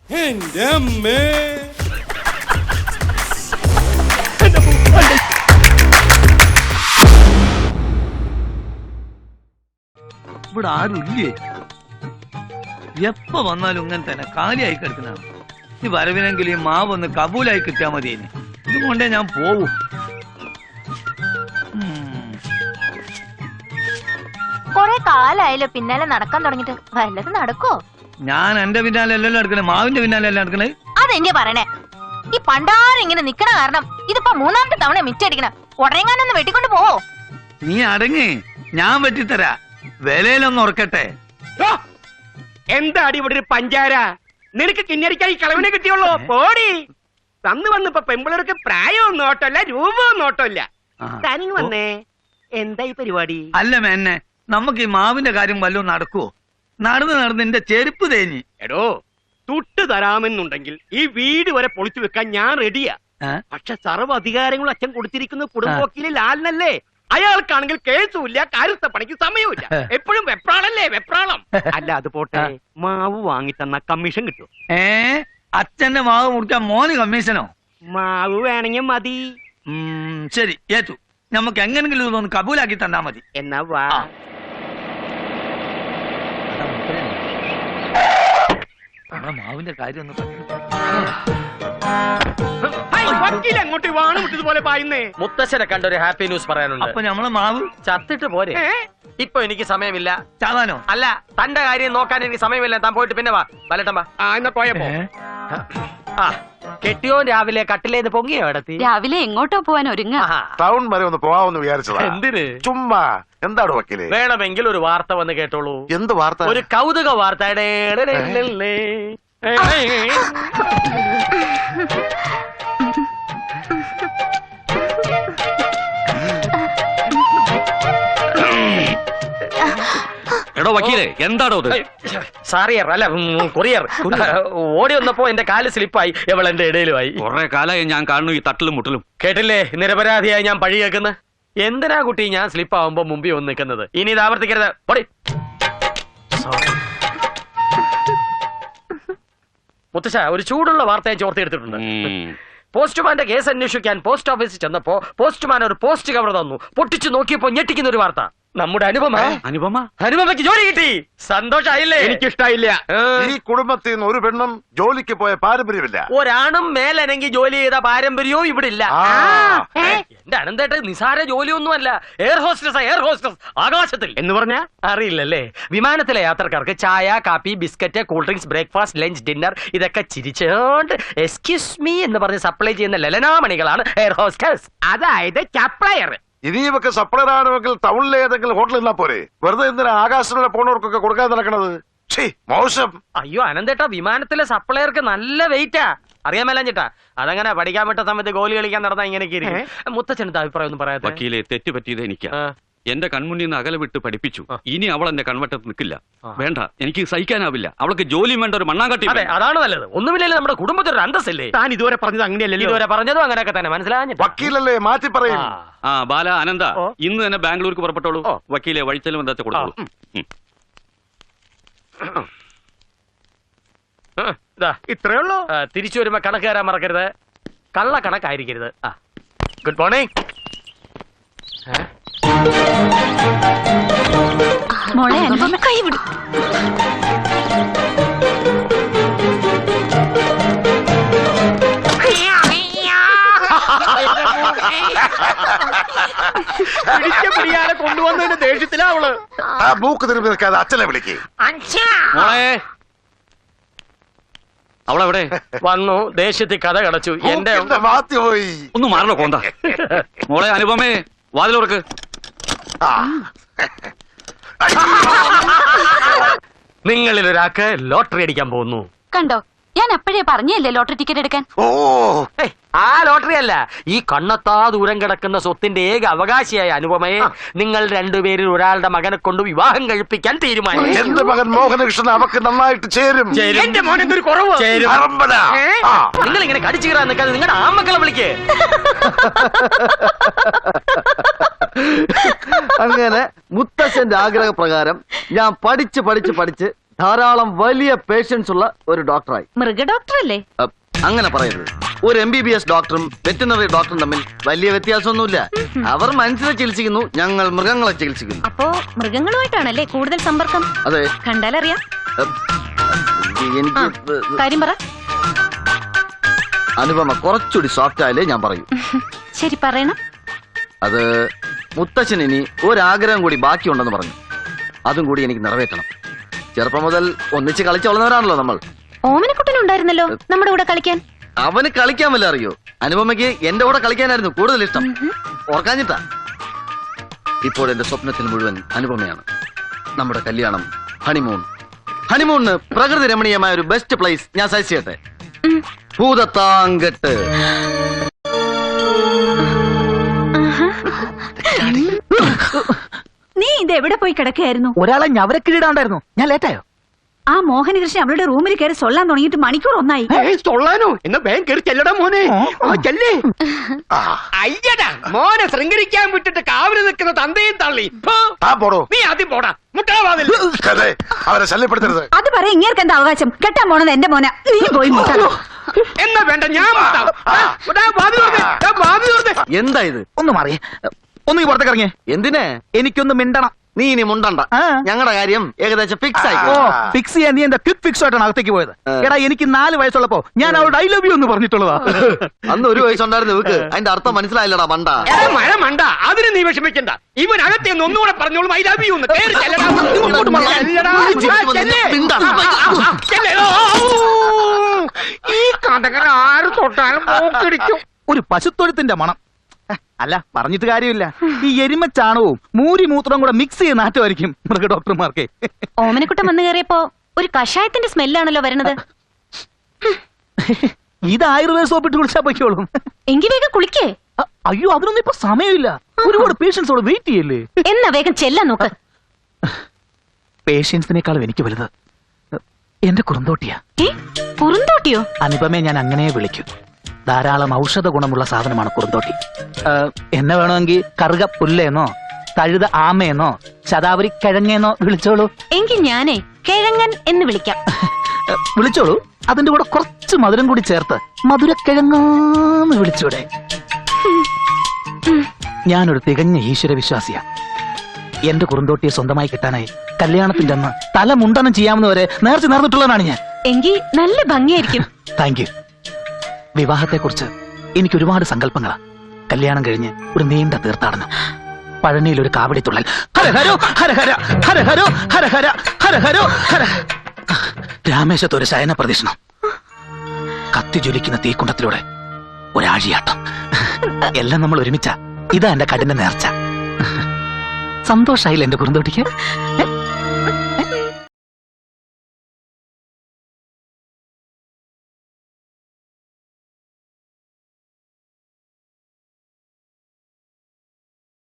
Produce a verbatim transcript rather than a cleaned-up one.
എന്റെ അമ്മേ. ഇവിടെ ആരും ഇല്ലേ? എപ്പ വന്നാലും ഇങ്ങനെ തന്നെ കാലിയായി കിടക്കുന്നതാണ്. ഈ വരവിനെങ്കിൽ ഈ മാവ് ഒന്ന് കബൂലായി കിട്ടിയാൽ മതി. ഇതും കൊണ്ടേ ഞാൻ പോവും. കൊറേ കാലായാലോ പിന്നാലെ നടക്കാൻ തുടങ്ങിട്ട്. വല്ലത് നടക്കോ? ഞാൻ എന്റെ പിന്നാലെ എല്ലാം നടക്കണേ, മാവിന്റെ പിന്നാലെ എല്ലാം നടക്കണേ. അതെന്റെ പറയണേ. ഈ പണ്ടാരം ഇങ്ങനെ നിക്കണ കാരണം ഇതിപ്പോ മൂന്നാമത്തെ തവണ മിറ്റടിക്കണ. ഉടനെങ്ങാനൊന്ന് വെട്ടിക്കൊണ്ട് പോവോ? നീ അടങ്ങ്, ഞാൻ വെട്ടിത്തരാ. വിലയിലൊന്ന് ഉറക്കട്ടെ. എന്താടി ഇവിടെ ഒരു പഞ്ചാര? നിനക്ക് കിന്നരിക്കാൻ ഈ കളവിനെ കിട്ടിയുള്ളൂ. പോടി. തന്നു വന്നിപ്പോ പെമ്പിളർക്ക് പ്രായവും നോട്ടല്ല രൂപവും നോട്ടമില്ല. തനിങ് വന്നേ. എന്താ ഈ പരിപാടി? അല്ല മേന്നെ, നമുക്ക് ഈ മാവിന്റെ കാര്യം വല്ലതും നടക്കുവോ? നടന്ന് നടന്ന് എന്റെ ചെരുപ്പ് തേഞ്ഞി. എടോ, തുട്ട് തരാമെന്നുണ്ടെങ്കിൽ ഈ വീട് വരെ പൊളിച്ചു വെക്കാൻ ഞാൻ റെഡിയാ. പക്ഷെ സർവ്വ അധികാരങ്ങളും അച്ഛൻ കൊടുത്തിരിക്കുന്ന കുടുംബവക്കീല് ലാലിനല്ലേ. അയാൾക്കാണെങ്കിൽ കേസുമില്ല, കാര്യസ്ഥ പണിക്ക് സമയമില്ല. എപ്പോഴും വെപ്രാളല്ലേ വെപ്രാളം. അല്ല അത് പോട്ടെ, മാവ് വാങ്ങിത്തന്ന കമ്മീഷൻ കിട്ടും. ഏ അച്ഛന്റെ മാവ് മുറിക്കാൻ മോന് കമ്മീഷനോ? മാവ് വേണമെങ്കിൽ മതി. ശരി, ഏറ്റു. നമുക്ക് എങ്ങനെങ്കിലും ഇതൊന്ന് കബൂലാക്കി തന്നാ മതി. എന്നാ വാ. മാവിന്റെ കാര്യം ഒന്ന് അങ്ങോട്ട് വാണ് വിട്ടതുപോലെ പായുന്നേ. മുത്തശ്ശനെ കണ്ട ഒരു ഹാപ്പി ന്യൂസ് പറയാനുണ്ട്. അപ്പൊ നമ്മളെ മാവ് ചത്തിട്ട് പോരെ. ഇപ്പൊ എനിക്ക് സമയമില്ല. ചാവാനോ? അല്ല, തന്റെ കാര്യം നോക്കാൻ എനിക്ക് സമയമില്ല. താൻ പോയിട്ട് പിന്നെ വാ. വലട്ടമ്പാ. ആ എന്നാ പോയപ്പോ ആ കെട്ടിയോ രാവിലെ കട്ടിലേന്ന് പൊങ്ങിയോ ഇടത്തി? രാവിലെ എങ്ങോട്ടോ പോവാൻ ഒരുങ്ങ. ടൗൺ വരെ ഒന്ന് പോവാമെന്ന് വിചാരിച്ചതാ. എന്തിന്? ചുമ്മാ. എന്താണ് വക്കീല്? വേണമെങ്കിൽ ഒരു വാർത്ത വന്ന് കേട്ടോളൂ. എന്ത് വാർത്ത? ഒരു കൗതുക വാർത്ത. എടോ വക്കീലെ, എന്താടോ ഇത്? സാറിയർ അല്ല കൊറിയർ. ഓടി വന്നപ്പോ എന്റെ കാല് സ്ലിപ്പായി. എവൾ എന്റെ ഇടയിലുമായി. കുറെ കാലമായി ഞാൻ കാണുന്നു ഈ തട്ടിലും മുട്ടലും. കേട്ടില്ലേ, നിരപരാധിയായി ഞാൻ പഴി കേൾക്കുന്ന. എന്തിനാ കുട്ടി ഞാൻ സ്ലിപ്പ് ആവുമ്പോ മുമ്പിൽ വന്ന് നിൽക്കുന്നത്? ഇനി ഇത് ആവർത്തിക്കരുത്. പൊടി. മുത്തശ്ശ, ഒരു ചൂടുള്ള വാർത്ത ഞാൻ ചോർത്തെടുത്തിട്ടുണ്ട്. പോസ്റ്റ്മാന്റെ കേസ് അന്വേഷിക്കാൻ പോസ്റ്റ് ഓഫീസിൽ ചെന്നപ്പോ പോസ്റ്റ്മാൻ ഒരു പോസ്റ്റ് കവർ തന്നു. പൊട്ടിച്ചു നോക്കിയപ്പോ ഞെട്ടിക്കുന്ന ഒരു വാർത്ത. നമ്മുടെ അനുപമ അനുപമ അനുപമയ്ക്ക് ജോലി കിട്ടി. സന്തോഷായില്ലേ? എനിക്കിഷ്ടായില്ല. ഈ കുടുംബത്തിൽ നിന്ന് ഒരു പെണ്ണും ജോലിക്ക് പോയ പാരമ്പര്യമില്ല. ഒരാണും മേലനങ്കി ജോലി ചെയ്ത പാരമ്പര്യവും ഇവിടെ ഇല്ല. എന്റെ അനന്തേട്ട നിസാര ജോലിയൊന്നുമല്ല. എയർ ഹോസ്റ്റസ് എയർ ഹോസ്റ്റസ് ആകാശത്തിൽ എന്ന് പറഞ്ഞ അറിയില്ലല്ലേ? വിമാനത്തിലെ യാത്രക്കാർക്ക് ചായ, കാപ്പി, biscuit, cool drinks, breakfast, lunch, dinner ഇതൊക്കെ ചിരിച്ചോണ്ട് എക്സ്ക്യൂസ് മീ എന്ന് പറഞ്ഞ് സപ്ലൈ ചെയ്യുന്ന ലലനാമണികളാണ് എയർ ഹോസ്റ്റസ്. അതായത് സപ്ലയർ. ഇനി ഇവക്ക് സപ്ലൈ ആണെങ്കിൽ ടൗണിലെ ഏതെങ്കിലും ഹോട്ടലിൽ നിന്നാ പോരെ. വെറുതെ എന്തിനാ ആകാശത്തിലൂടെ പോണവർക്കൊക്കെ കൊടുക്കാൻ നടക്കണത്? മോശം. അയ്യോ അനന്തേട്ടാ, വിമാനത്തിലെ സപ്ലയർക്ക് നല്ല വെയിറ്റാ. അറിയാൻ മേലാഞ്ഞിട്ടാ. അതങ്ങനെ പഠിക്കാൻ പറ്റ സമയത്ത് ഗോലി കളിക്കാൻ നടന്നാ ഇങ്ങനെയൊക്കെ ഇരിക്കും. മുത്തച്ഛനത്തെ അഭിപ്രായം ഒന്നും പറയാതെ. വക്കീലെ, തെറ്റ് പറ്റിയത് എനിക്കാ. എന്റെ കൺമുന്നിൽ നിന്ന് അകലെ വിട്ട് പഠിപ്പിച്ചു. ഇനി അവൾ എന്റെ കൺവട്ടത്ത് നിൽക്കില്ല. വേണ്ട, എനിക്ക് സഹിക്കാനാവില്ല. അവൾക്ക് ജോലിയും വേണ്ട, ഒരു മണ്ണാങ്കട്ടി. അതെ, അതാണ് നല്ലത്. ഒന്നുമില്ലല്ലോ, നമ്മുടെ കുടുംബത്തിൽ ഒരു അന്തസ്സല്ലേ. താൻ ഇതുവരെ പറഞ്ഞത് അങ്ങനെയല്ലല്ലോ. ഇതുവരെ പറഞ്ഞതും അങ്ങനെയൊക്കെ തന്നെ. മനസ്സിലാഞ്ഞിട്ട് വക്കീലല്ലേ, മാറ്റി പറയും. ആ ബാല, അനന്ത, ഇന്ന് തന്നെ ബാംഗ്ലൂർക്ക് പുറപ്പെട്ടോളൂ. വക്കീലെ, വഴിച്ചെലവ് എന്താ കൊടുത്തോളൂ. ഇത്രേ ഉള്ളൂ. തിരിച്ചു വരുമ്പോ കണക്ക് തരാൻ മറക്കരുത്. കള്ള കണക്കായിരിക്കരുത്. Good morning. മോളെ അനുപമ കൈ വിടും. പിടിച്ച പിടിയാലെ കൊണ്ടുവന്നതിന്റെ ദേഷ്യത്തിലാ അവള്. ആ മൂക്ക് തിരുമ്പി നിൽക്കാതെ അച്ഛനെ വിളിക്കേ. മോളെ, അവളെവിടെ? വന്നു, ദേഷ്യത്തിൽ കഥ കടച്ചു. എന്റെ മാത്തി പോയി. ഒന്ന് മാറണോ കോന്ത. മോളെ അനുപമേ, വാതിലോർക്ക്. നിങ്ങളിൽ ഒരാൾക്ക് ലോട്ടറി അടിക്കാൻ പോകുന്നു. കണ്ടോ, ഞാൻ അപ്പോഴേ പറഞ്ഞല്ലേ ലോട്ടറി ടിക്കറ്റ് എടുക്കാൻ. ഓ, ആ ലോട്ടറി അല്ല, ഈ കണ്ണത്താ ദൂരം കിടക്കുന്ന സ്വത്തിന്റെ ഏക അവകാശിയായ അനുപമയെ നിങ്ങൾ രണ്ടുപേരിൽ ഒരാളുടെ മകനെ കൊണ്ട് വിവാഹം കഴിപ്പിക്കാൻ തീരുമാനിച്ചു. എന്റെ മകൻ മോഹനകൃഷ്ണൻ അവക്ക് നന്നായിട്ട് ചേരും. എന്റെ മോനെന്തൊരു കുറവ്. നിങ്ങൾ ഇങ്ങനെ കടിച്ചു കയറാൻ നിൽക്കാതെ നിങ്ങളുടെ ആമക്കളെ വിളിക്കേ. അങ്ങനെ മുത്തച്ഛന്റെ ആഗ്രഹപ്രകാരം ഞാൻ പഠിച്ച് പഠിച്ച് പഠിച്ച് ധാരാളം വലിയ പേഷ്യൻസ് ഉള്ള ഒരു ഡോക്ടറായി. മൃഗ ഡോക്ടർ അല്ലേ? അ, അങ്ങനെ പറയരുത്. ഒരു എം ബി ബി എസ് ഡോക്ടറും വെറ്റിനറി ഡോക്ടറും തമ്മിൽ വലിയ വ്യത്യാസമൊന്നുമില്ല. അവർ മനുഷ്യരെ ചികിത്സിക്കുന്നു, ഞങ്ങൾ മൃഗങ്ങളെ ചികിത്സിക്കുന്നു. അപ്പോ മൃഗങ്ങളുമായിട്ടാണല്ലേ കൂടുതൽ സമ്പർക്കം? അതെ. കണ്ടാലറിയാം. അ, എനിക്ക് കാര്യം പറ. അനുപമ കുറച്ചുകൂടി സോഫ്റ്റ് ആയാലേ ഞാൻ പറയൂ. ശരി, പറയണം. അത് മുത്തച്ഛൻ ഇനി ഒരാഗ്രഹം കൂടി ബാക്കിയുണ്ടെന്ന് പറഞ്ഞു. അതും കൂടി എനിക്ക് നിറവേറ്റണം. ചെറുപ്പം മുതൽ ഒന്നിച്ച് കളിച്ചു വളർന്നവരാണല്ലോ നമ്മൾ. ഓമനക്കുട്ടനുണ്ടായിരുന്നല്ലോ നമ്മുടെ കൂടെ കളിക്കാൻ. അവന് കളിക്കാൻ വല്ല അറിയോ? അനുപമയ്ക്ക് എന്റെ കൂടെ കളിക്കാനായിരുന്നു കൂടുതൽ ഇഷ്ടം. ഓർക്കാഞ്ഞിട്ടാ. ഇപ്പോൾ എന്റെ സ്വപ്നത്തിൽ മുഴുവൻ അനുപമയാണ്. നമ്മുടെ കല്യാണം, ഹണിമൂൺ. ഹണിമൂണിന് പ്രകൃതി രമണീയമായ ഒരു ബെസ്റ്റ് പ്ലേസ് ഞാൻ സജസ്റ്റ് ചെയ്യട്ടെ. ഭൂതത്താങ്കെട്ട്. നീ ഇത് എവിടെ പോയി കിടക്കുകയായിരുന്നു? ഒരാളെ ഞവരക്കിടാണ്ടായിരുന്നു. ഞാൻ ലേറ്റായോ? ആ മോഹനകൃഷ്ണൻ അവളുടെ റൂമിൽ കയറി സൊല്ലാൻ തുടങ്ങിയിട്ട് മണിക്കൂർ ഒന്നായി. തൊള്ളാനോ? എന്നാ വേഗം കയറി ചെല്ലടാ മോനെ. ആ, ചെല്ലേ. അയ്യടാ മോനെ ശൃംഗരിക്കാൻ വിട്ടിട്ട് കാവല് നിൽക്കുന്ന തന്തയും തള്ളി. ഫോ. താൻ പോടോ. നീ ആദ്യം പോടാ. മുട്ടാവാതിൽ. അതെ, അവരെ ശല്യപ്പെടുത്തരുത്. അത് പറയാ ഇങ്ങേർക്ക് എന്താ അവകാശം? കെട്ടാൻ പോണത് എന്റെ മോന. നീ പോയി മുട്ടാ. എന്നാ വേണ്ട, ഞാൻ മുട്ടാം. ആ, ദാ വാതിൽ തുറന്നേ. ദാ വാതിൽ തുറന്നേ. എന്താ ഇത്? ഒന്ന് മാറിയേ. ഒന്ന് ഈ പുറത്തേക്ക് ഇറങ്ങിയേ. എന്തിനെ? എനിക്കൊന്ന് മിണ്ടണം. നീ ഇനി മുണ്ടണ്ട. ആ. ഞങ്ങളുടെ കാര്യം ഏകദേശം ഫിക്സ് ആയി. ഓ, ഫിക്സ് ചെയ്യാൻ നീ എന്താ ക്വിക്ക് ഫിക്സ് ആയിട്ടാണ് അകത്തേക്ക് പോയത്? ആ. എടാ, എനിക്ക് നാല് വയസ്സുള്ളപ്പോ ഞാൻ അവളുടെ ഐ ലവ് യു എന്ന് പറഞ്ഞിട്ടുള്ളതാ. അന്ന് ഒരു വയസ്സുണ്ടായിരുന്നു ഇവക്ക്. അതിന്റെ അർത്ഥം മനസ്സിലായില്ലടാ മണ്ട. എടാ, മഴ മണ്ട. അതിന് നീ വിഷമിക്കണ്ട. ഇവൻ അകത്തെ ഒന്നുകൂടെ പറഞ്ഞോളും ഐ ലവ് യു എന്ന്. കേറി ചെല്ലടാ. ഇങ്ങോട്ട് മാറ്. ചെല്ലടാ. ആ, ചെല്ലേ. ആ, ആ, ആ, ചെല്ലേ. ഓ, ഓ. ഈ കഥകൾ ആര് തൊട്ടാലും മൂക്കിടിക്കും. ഒരു പശുത്തൊഴുത്തിന്റെ മണം. അല്ല, പറഞ്ഞിട്ട് കാര്യമില്ല. ഈ എരുമച്ചാണവും മൂരി മൂത്രവും കൂടെ മിക്സ് ചെയ്ത് നാറ്റമായിരിക്കും മൃഗ ഡോക്ടർമാർക്ക്. ഓമനക്കുട്ടൻ വന്നു കയറിയപ്പോ ഒരു കഷായത്തിന്റെ സ്മെല്ലാണല്ലോ വരുന്നത്. ഇത് ആയുർവേദ സോപ്പിട്ട് കുളിച്ചാ പൊയ്ക്കോളും. എങ്കി വേഗം കുളിക്കേ. അ- അയ്യോ, അതിനൊന്നും ഇപ്പൊ സമയമില്ല. ഒരുപാട് പേഷ്യൻസോട് വെയിറ്റ് ചെയ്യല്ലേ. എന്നാ വേഗം ചെല്ലാൻ നോക്ക്. പേഷ്യൻസിനേക്കാളും എനിക്ക് വലുത് എന്റെ കുറുന്തോട്ടിയാ. ഏ, കുറുന്തോട്ടിയോ? അനുപമയെ ഞാൻ അങ്ങനെ വിളിക്കും. ധാരാളം ഔഷധ ഗുണമുള്ള സാധനമാണ് കുറുന്തോട്ടി. ഏഹ്, എന്നെ വേണമെങ്കിൽ കറുക പുല്ലേന്നോ തഴുത ആമയെന്നോ ശതാവരി കിഴങ്ങേന്നോ വിളിച്ചോളൂ. എങ്കിൽ ഞാനേ കിഴങ്ങൻ എന്ന് വിളിക്കാം. ഏഹ്, വിളിച്ചോളൂ. അതിന്റെ കൂടെ കുറച്ച് മധുരം കൂടി ചേർത്ത് മധുരക്കിഴങ്ങാന്ന് വിളിച്ചൂടെ? ഞാനൊരു തികഞ്ഞ ഈശ്വര വിശ്വാസിയാ. എന്റെ കുറുന്തോട്ടിയെ സ്വന്തമായി കിട്ടാനായി കല്യാണത്തിന്റെ അന്ന് തല മുണ്ടനം ചെയ്യാമെന്ന് വരെ നേർച്ച നേർന്നിട്ടുള്ളതാണ് ഞാൻ. എങ്കിൽ നല്ല ഭംഗിയായിരിക്കും. Thank you. വിവാഹത്തെക്കുറിച്ച് എനിക്ക് ഒരുപാട് സങ്കല്പങ്ങളാ. കല്യാണം കഴിഞ്ഞ് ഒരു നീണ്ട തീർത്ഥാടനം, പഴനിയിൽ ഒരു കാവടി തുള്ളൽ, ഹരഹരോ ഹരഹര ഹരഹരോ ഹരഹര ഹരഹരോ ഹര, രാമേശത്ത് ഒരു ശയന പ്രദക്ഷിണം, കത്തി ജ്വലിക്കുന്ന തീക്കുണ്ടത്തിലൂടെ ഒരാഴിയാട്ടം. എല്ലാം നമ്മൾ ഒരുമിച്ച. ഇതാ എന്റെ കഠിന നേർച്ച. സന്തോഷായില്ല എന്റെ കുറുന്തോട്ടിക്ക്?